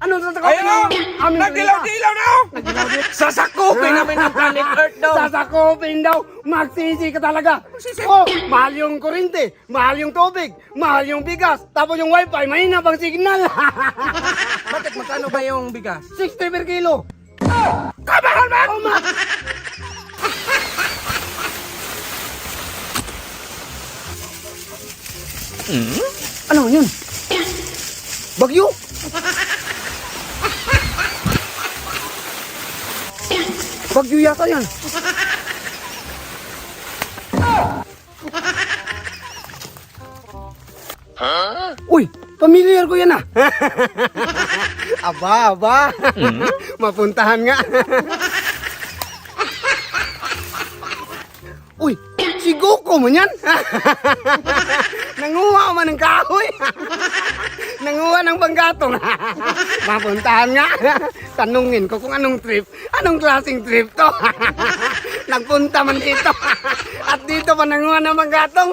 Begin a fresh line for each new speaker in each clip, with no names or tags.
Ano sasakupin
Ayun o!
aming
Nagdilaw-dilaw na o! Sasakupin namin ang planet Earth daw!
Sasakupin daw. Magsisi ka talaga.
Magsisi?
Oh, mahal yung kurente, mahal yung tubig, mahal yung bigas, tapos yung wifi, mahina bang signal.
Bakit magkano ba yung bigas?
60 per kilo.
Kamahal man!
Oh, ma. Ano yun? Bagyo? Bagyo yata yan. Uy, familiar ko yan ah. aba. Mapuntahan nga. Uy, si Goku mo yan. Nanguha man ng kahoy. Nanguha ng panggatong. Mapuntahan nga. Tanungin ko kung anong trip. Anong klaseng trip to? Nagpunta man dito. At dito pa nanguha ng panggatong.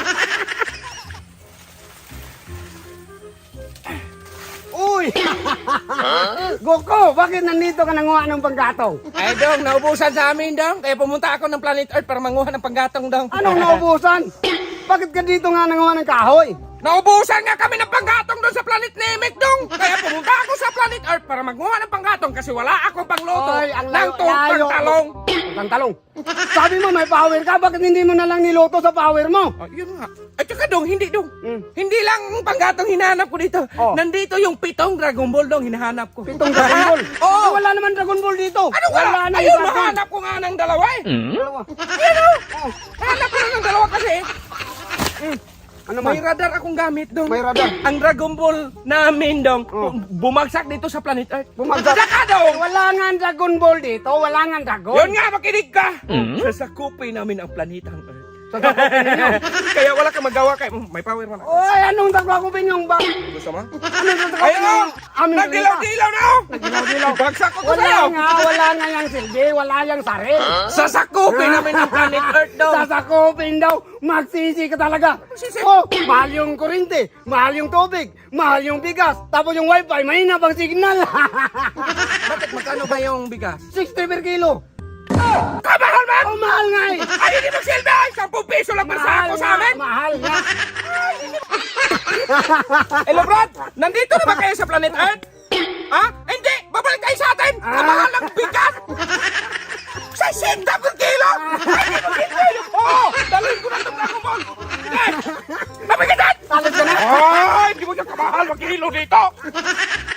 Uy! Goku, bakit nandito ka nanguha ng panggatong?
Ay dong, naubusan sa amin dong. Kaya pumunta ako ng planet Earth para manguha ng panggatong dong.
Anong naubusan? Bakit ka dito nga nanguha ng kahoy?
Naubusan nga kami ng panggatong doon sa planet Namek dong. Kaya pumunta ako sa planet Earth para manguha ng panggatong kasi wala akong pangluto
Ay, ang
ng
layo.
tungkang talong.
Ang talong. Sabi mo may power ka, bakit hindi mo na lang niluto sa power mo?
Oh, yun nga. At saka dong, hindi dong.
Hmm.
Hindi lang ang panggatong hinahanap ko dito.
Oh.
Nandito yung 7 Dragon Ball dong hinahanap ko.
Pitong Dragon Ball.
Oo.
Eh, wala naman Dragon Ball dito.
Ano wala?
na
Ayun,
yung Dragon.
mahanap ko nga ng dalawa eh.
Dalawa.
Ayun o. Hanap ko ng dalawa kasi.
Ano man?
May radar akong gamit dong.
May radar.
Ang Dragon Ball namin dong,
Oh.
bumagsak dito sa planet Earth.
Bumagsak.
Saka dong.
Wala nga ang Dragon Ball dito. Wala nga ang Dragon.
Yun nga, makinig ka. Sasakupin namin ang planetang Earth.
Sasakupin ninyo.
Kaya wala kang magawa kay may power man ako.
Oy, anong sasakupin yung ba?
Gusto mo?
Ano sasakupin
Ayun o!
yung aming
Nagdilaw-dilaw na o!
Nagdilaw-dilaw.
Bagsak ko
Wala
sa'yo!
nga yung silbi. Wala yung saril.
Sasakupin namin ang planet Earth daw!
Sasakupin daw. Magsisi ka talaga.
Magsisi?
Oh, mahal yung kurente, mahal yung tubig, mahal yung bigas, tapos yung wifi, mahina bang signal.
Bakit magkano ba yung bigas?
60 per kilo.
Kamahal man!
Oh, mahal nga eh.
Ay, hindi magsilbi! 10 piso lang per sako sa amin!
Mahal nga.
Hello, Brad! Nandito na ba kayo sa planet Earth? Ha? Hindi! Babalik kayo sa atin! Kamahal ng bigas! 60 per kilo! Ay, hindi magsilbi! Oo! Dalhin ko na itong Dragon Ball! Sige! Mabigitan!
Talag ka na.
Ay, hindi mo niya kamahal mag-kilo dito!